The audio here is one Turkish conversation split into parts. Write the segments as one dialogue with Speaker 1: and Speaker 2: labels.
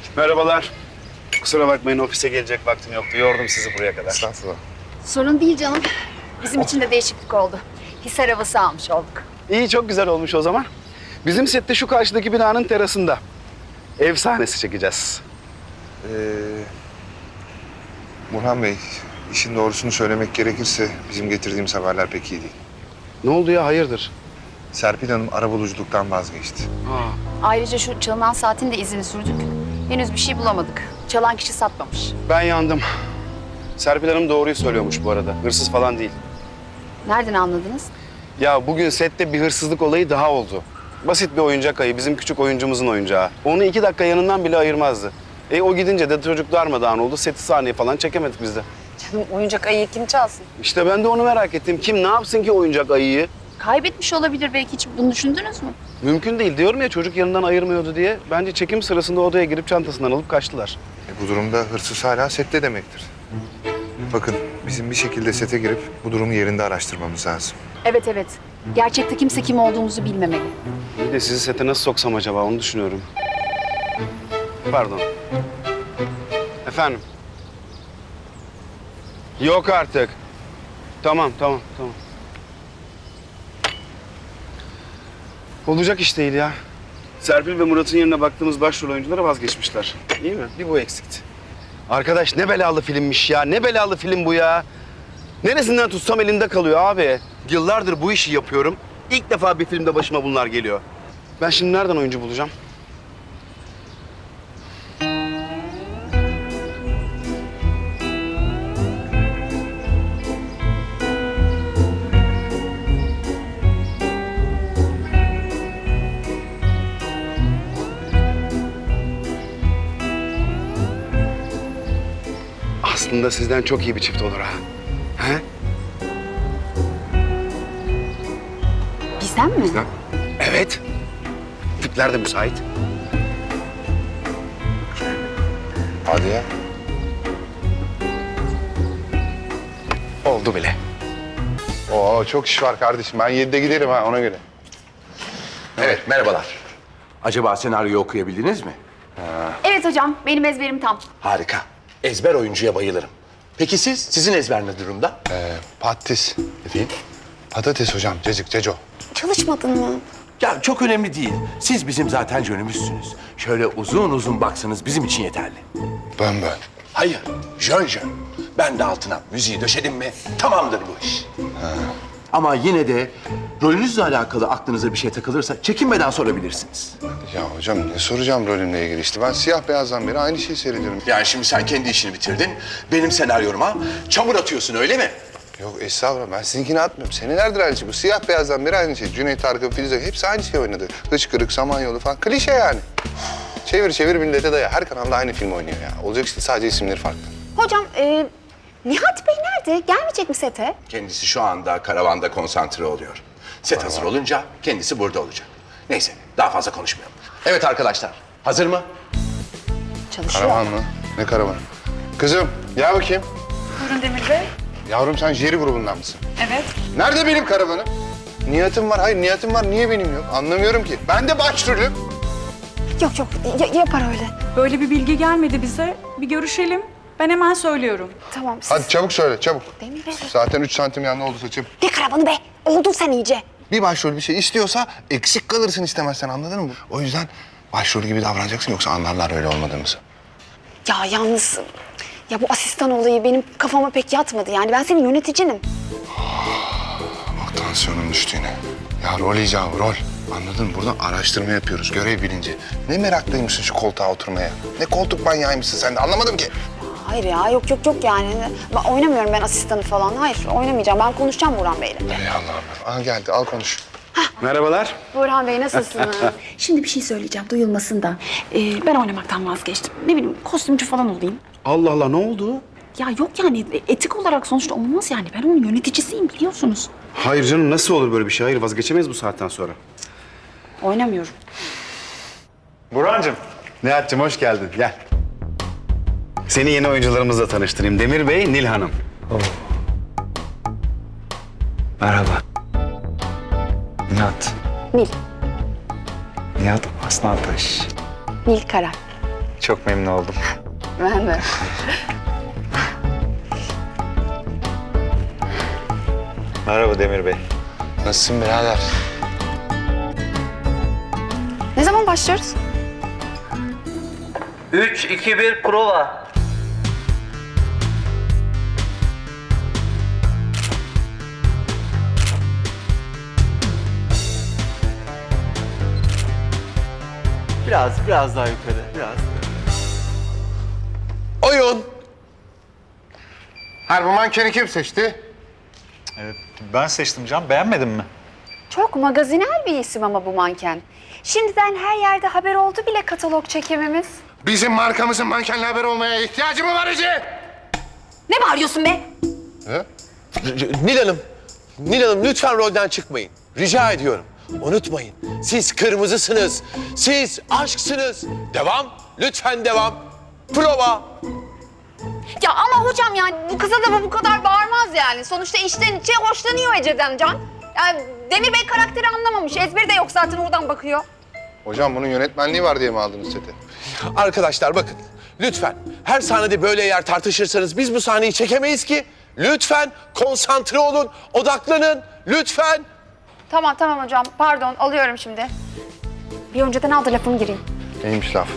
Speaker 1: Merhabalar. Kusura bakmayın ofise gelecek vaktim yoktu. Yordum sizi buraya kadar.
Speaker 2: Estağfurullah.
Speaker 3: Sorun değil canım. Bizim için de değişiklik oldu. Hisar havası almış olduk.
Speaker 1: İyi, çok güzel olmuş o zaman. Bizim sette şu karşıdaki binanın terasında ev sahnesi çekeceğiz.
Speaker 2: Burhan Bey, işin doğrusunu söylemek gerekirse bizim getirdiğimiz haberler pek iyi değil.
Speaker 1: Ne oldu ya, hayırdır?
Speaker 2: Serpil Hanım arabuluculuktan vazgeçti.
Speaker 3: Ayrıca şu çalınan saatin de izini sürdük. Henüz bir şey bulamadık. Çalan kişi satmamış.
Speaker 1: Ben yandım. Serpil Hanım doğruyu söylüyormuş bu arada. Hırsız falan değil.
Speaker 3: Nereden anladınız?
Speaker 1: Ya bugün sette bir hırsızlık olayı daha oldu. Basit bir oyuncak ayı, bizim küçük oyuncumuzun oyuncağı. Onu 2 dakika yanından bile ayırmazdı. O gidince de çocuk darmadağın oldu. Seti sahneye falan çekemedik biz de.
Speaker 3: Canım oyuncak ayıyı kim çalsın?
Speaker 1: İşte ben de onu merak ettim. Kim ne yapsın ki oyuncak ayıyı?
Speaker 3: Kaybetmiş olabilir belki, hiç bunu düşündünüz mü?
Speaker 1: Mümkün değil. Diyorum ya, çocuk yanından ayırmıyordu diye. Bence çekim sırasında odaya girip çantasından alıp kaçtılar.
Speaker 2: Bu durumda hırsız hala sette demektir. Bakın, bizim bir şekilde sete girip bu durumu yerinde araştırmamız lazım.
Speaker 3: Evet evet. Gerçekte kimse kim olduğumuzu bilmemeli.
Speaker 1: Bir de sizi sete nasıl soksam acaba, onu düşünüyorum. Pardon. Efendim? Yok artık. Tamam. Olacak iş değil ya. Serpil ve Murat'ın yerine baktığımız başrol oyunculara vazgeçmişler. İyi mi? Bir bu eksikti. Arkadaş ne belalı filmmiş ya. Ne belalı film bu ya. Neresinden tutsam elinde kalıyor abi. Yıllardır bu işi yapıyorum. İlk defa bir filmde başıma bunlar geliyor. Ben şimdi nereden oyuncu bulacağım? Aslında sizden çok iyi bir çift olur ha. He?
Speaker 3: Bizden mi?
Speaker 1: Evet. Tipler de müsait.
Speaker 2: Hadi ya.
Speaker 1: Oldu bile.
Speaker 2: Oo, çok iş var kardeşim. Ben 7'de giderim ha, ona göre.
Speaker 4: Evet, merhabalar. Acaba senaryoyu okuyabildiniz mi?
Speaker 3: Evet hocam, benim ezberim tam.
Speaker 4: Harika. Ezber oyuncuya bayılırım. Peki siz, sizin ezber ne durumda?
Speaker 2: Patates.
Speaker 4: Efendim?
Speaker 2: Patates hocam, cacık, ceco.
Speaker 3: Çalışmadın mı?
Speaker 4: Ya çok önemli değil. Siz bizim zaten jönümüzsünüz. Şöyle uzun uzun baksanız bizim için yeterli.
Speaker 2: Bön.
Speaker 4: Hayır, jön. Ben de altına müziği döşedim mi tamamdır bu iş. Ama yine de rolünüzle alakalı aklınıza bir şey takılırsa çekinmeden sorabilirsiniz.
Speaker 2: Ya hocam ne soracağım rolümle ilgili işte. Ben siyah beyazdan beri aynı şeyi seyrediyorum.
Speaker 4: Yani şimdi sen kendi işini bitirdin. Benim senaryoma çamur atıyorsun öyle mi?
Speaker 2: Yok estağfurullah, ben sizinkini atmıyorum. Senelerdir aynı şey. Bu siyah beyazdan beri aynı şey. Cüneyt Arkın, Filiz Akın hepsi aynı şey oynadı. Hıçkırık, Samanyolu falan. Klişe yani. Çevir millete daya. Her kanalda aynı film oynuyor ya. Olacak işte, sadece isimleri farklı.
Speaker 5: Hocam, Nihat Bey nerede? Gelmeyecek mi sete?
Speaker 4: Kendisi şu anda karavanda konsantre oluyor. Set hazır olunca kendisi burada olacak. Neyse, daha fazla konuşmayalım. Evet arkadaşlar, hazır mı?
Speaker 5: Çalışıyor.
Speaker 2: Karavan mı? Ne karavan? Kızım, gel bakayım.
Speaker 5: Buyurun Demir Bey.
Speaker 2: Yavrum sen Jerry grubundan mısın?
Speaker 5: Evet.
Speaker 2: Nerede benim karavanım? Nihat'ım var. Hayır nihat'ım var. Niye benim yok? Anlamıyorum ki. Ben de başrolüm.
Speaker 5: Yok yapar öyle.
Speaker 6: Böyle bir bilgi gelmedi bize. Bir görüşelim. Ben hemen söylüyorum.
Speaker 5: Tamam siz...
Speaker 2: Hadi çabuk söyle, çabuk.
Speaker 5: Demir Bey.
Speaker 2: Zaten 3 santim yanlı oldu saçım.
Speaker 5: Ne karavanı be? Oldun sen iyice.
Speaker 2: Bir başrol bir şey istiyorsa eksik kalırsın istemezsen, anladın mı? O yüzden başrol gibi davranacaksın, yoksa anlarlar öyle olmadığımızı.
Speaker 5: Ya yalnız... Ya bu asistan olayı benim kafama pek yatmadı. Yani ben senin yöneticinim.
Speaker 2: Bak tansiyonum düştü yine. Ya rol icabı, rol. Anladın mı? Buradan araştırma yapıyoruz, görev bilinci. Ne meraklıymışsın şu koltuğa oturmaya. Ne koltuk manyağıymışsın sen de, anlamadım ki.
Speaker 5: Hayır ya yok yani. Ben oynamıyorum ben asistanı falan. Hayır oynamayacağım. Ben konuşacağım Burhan Bey'le.
Speaker 2: Ey Allah'ım. Aha geldi, al konuş.
Speaker 1: Merhabalar.
Speaker 5: Burhan Bey nasılsınız?
Speaker 3: Şimdi bir şey söyleyeceğim, duyulmasın da. Ben oynamaktan vazgeçtim. Ne bileyim, kostümcü falan olayım.
Speaker 1: Allah Allah, ne oldu?
Speaker 3: Ya yok yani, etik olarak sonuçta olmaz yani. Ben onun yöneticisiyim, biliyorsunuz.
Speaker 1: Hayır canım, nasıl olur böyle bir şey? Hayır, vazgeçemeyiz bu saatten sonra.
Speaker 3: Oynamıyorum.
Speaker 1: Burhan'cığım. Nihat'cığım hoş geldin. Gel. Seni yeni oyuncularımızla tanıştırayım. Demir Bey, Nil Hanım.
Speaker 7: Merhaba. Nihat.
Speaker 5: Nil.
Speaker 7: Nihat Aslantaş.
Speaker 5: Nil Kara.
Speaker 7: Çok memnun oldum.
Speaker 3: Ben de.
Speaker 7: Merhaba Demir Bey.
Speaker 2: Nasılsın birader?
Speaker 5: Ne zaman başlıyoruz?
Speaker 8: 3, 2, 1 prova.
Speaker 9: Biraz daha yukarı, biraz.
Speaker 2: Oyun. Her bu mankeni kim seçti?
Speaker 7: Ben seçtim Can. Beğenmedin mi?
Speaker 5: Çok magazinel bir isim ama bu manken. Şimdiden her yerde haber oldu bile katalog çekimimiz.
Speaker 2: Bizim markamızın mankenle haber olmaya ihtiyacı mı var Ece?
Speaker 5: Ne bağırıyorsun be?
Speaker 4: Nil Hanım lütfen rolden çıkmayın. Rica ediyorum. Unutmayın, siz kırmızısınız, siz aşksınız. Devam, lütfen devam. Prova.
Speaker 5: Ya ama hocam yani bu kıza da bu kadar bağırmaz yani. Sonuçta içten içe hoşlanıyor Ece'den Can. Yani Demir Bey karakteri anlamamış. Ezberi de yok zaten oradan bakıyor.
Speaker 2: Hocam bunun yönetmenliği var diye mi aldınız seti?
Speaker 4: Arkadaşlar bakın, lütfen her sahnede böyle yer tartışırsanız biz bu sahneyi çekemeyiz ki. Lütfen konsantre olun, odaklanın, lütfen.
Speaker 5: Tamam hocam. Pardon alıyorum şimdi. Bir önceden al da lafımı gireyim.
Speaker 2: Neymiş laf?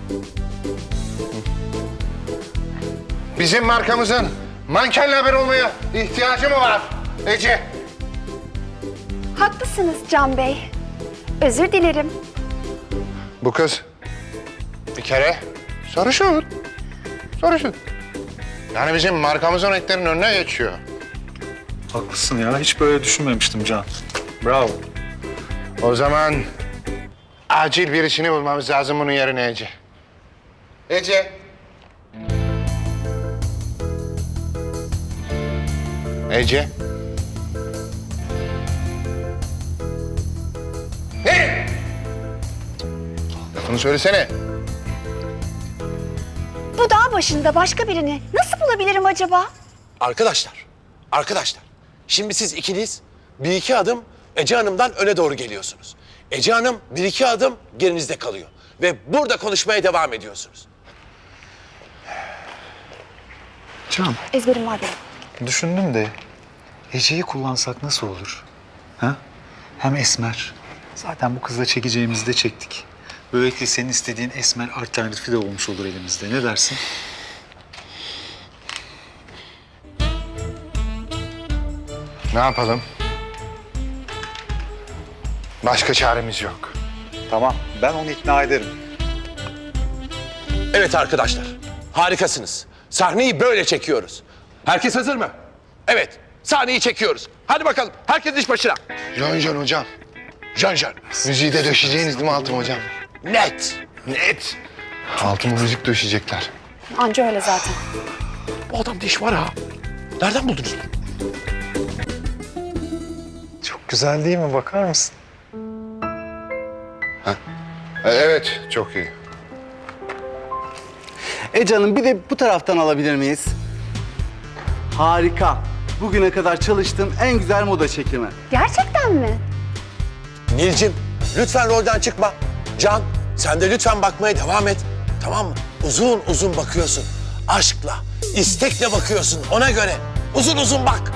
Speaker 2: Bizim markamızın mankenle haber olmaya ihtiyacı mı var Ece?
Speaker 5: Haklısınız Can Bey. Özür dilerim.
Speaker 2: Bu kız bir kere sarışın. Sarışın. Yani bizim markamızın renklerinin önüne geçiyor.
Speaker 7: Haklısın ya. Hiç böyle düşünmemiştim Can. Bravo.
Speaker 2: O zaman acil birisini bulmamız lazım bunun yerine Ece. Ece. Ece. Ne? Lafını söylesene.
Speaker 5: Bu dağ başında başka birini nasıl bulabilirim acaba?
Speaker 4: Arkadaşlar, şimdi siz ikiniz bir iki adım Ece Hanım'dan öne doğru geliyorsunuz. Ece Hanım bir iki adım gerinizde kalıyor. Ve burada konuşmaya devam ediyorsunuz.
Speaker 7: Can,
Speaker 5: Ezberim var benim.
Speaker 7: düşündüm de Ece'yi kullansak nasıl olur? Ha? Hem esmer. Zaten bu kızla çekeceğimizi de çektik. Böylelikle senin istediğin esmer alternatifi de olmuş olur elimizde. Ne dersin?
Speaker 2: Ne yapalım? Başka çaremiz yok.
Speaker 7: Tamam, ben onu ikna ederim.
Speaker 4: Evet arkadaşlar, harikasınız. Sahneyi böyle çekiyoruz. Herkes hazır mı? Evet, sahneyi çekiyoruz. Hadi bakalım, herkes iş başına.
Speaker 2: Can hocam.
Speaker 4: Can.
Speaker 2: Müziği de döşeyeceğiniz değil mi altıma hocam?
Speaker 4: Net.
Speaker 2: Net. Altıma müzik döşeyecekler.
Speaker 5: Anca öyle zaten.
Speaker 4: Bu adamda iş var ha. Nereden buldunuz?
Speaker 7: Çok güzel değil mi? Bakar mısın?
Speaker 2: Evet, çok iyi.
Speaker 9: Canım bir de bu taraftan alabilir miyiz? Harika. Bugüne kadar çalıştığım en güzel moda çekimi.
Speaker 5: Gerçekten mi?
Speaker 4: Nilcim, lütfen rolden çıkma. Can, sen de lütfen bakmaya devam et. Tamam mı? Uzun uzun bakıyorsun. Aşkla, istekle bakıyorsun ona göre. Uzun uzun bak.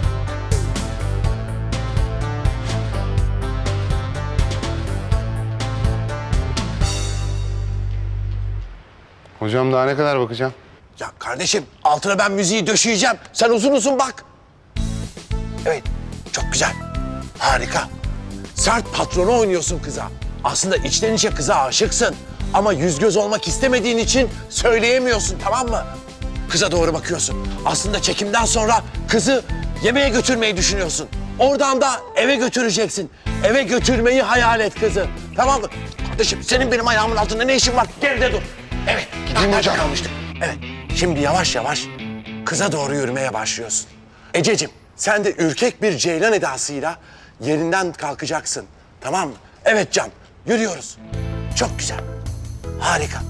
Speaker 2: Hocam daha ne kadar bakacağım?
Speaker 4: Ya kardeşim, altına ben müziği döşeyeceğim. Sen uzun uzun bak. Evet, çok güzel. Harika. Sert patronu oynuyorsun kıza. Aslında içten içe kıza aşıksın. Ama yüz göz olmak istemediğin için söyleyemiyorsun, tamam mı? Kıza doğru bakıyorsun. Aslında çekimden sonra kızı yemeğe götürmeyi düşünüyorsun. Oradan da eve götüreceksin. Eve götürmeyi hayal et kızı. Tamam mı? Kardeşim senin benim ayağımın altında ne işin var? Geride dur. Evet.
Speaker 2: Gideyim hocam.
Speaker 4: Kalmıştık. Evet. Şimdi yavaş yavaş kıza doğru yürümeye başlıyorsun. Ececiğim sen de ürkek bir ceylan edasıyla yerinden kalkacaksın. Tamam mı? Evet Can. Yürüyoruz. Çok güzel. Harika.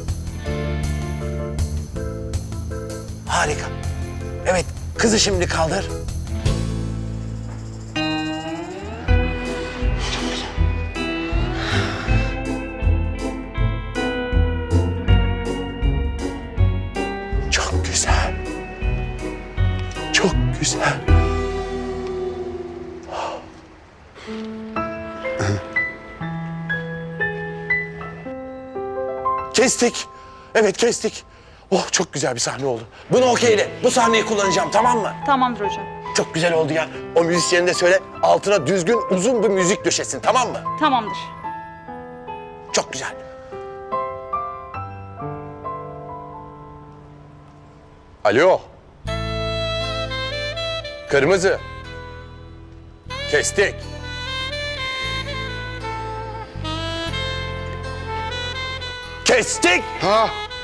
Speaker 4: Harika. Evet, kızı şimdi kaldır. Çok güzel. Güzel. Kestik. Evet kestik. Oh çok güzel bir sahne oldu. Bunu okeyle. Bu sahneyi kullanacağım tamam mı?
Speaker 6: Tamamdır hocam.
Speaker 4: Çok güzel oldu ya. O müzisyeni de söyle altına düzgün uzun bir müzik döşesin tamam mı?
Speaker 6: Tamamdır.
Speaker 4: Çok güzel. Alo. Kırmızı. Kestik. Kestik.
Speaker 2: Ha?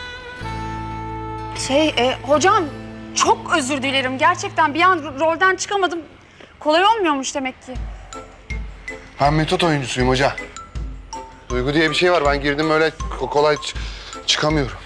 Speaker 5: Hocam çok özür dilerim. Gerçekten bir an rolden çıkamadım. Kolay olmuyormuş demek ki.
Speaker 2: Ben metot oyuncusuyum hoca. Duygu diye bir şey var. Ben girdim öyle kolay çıkamıyorum.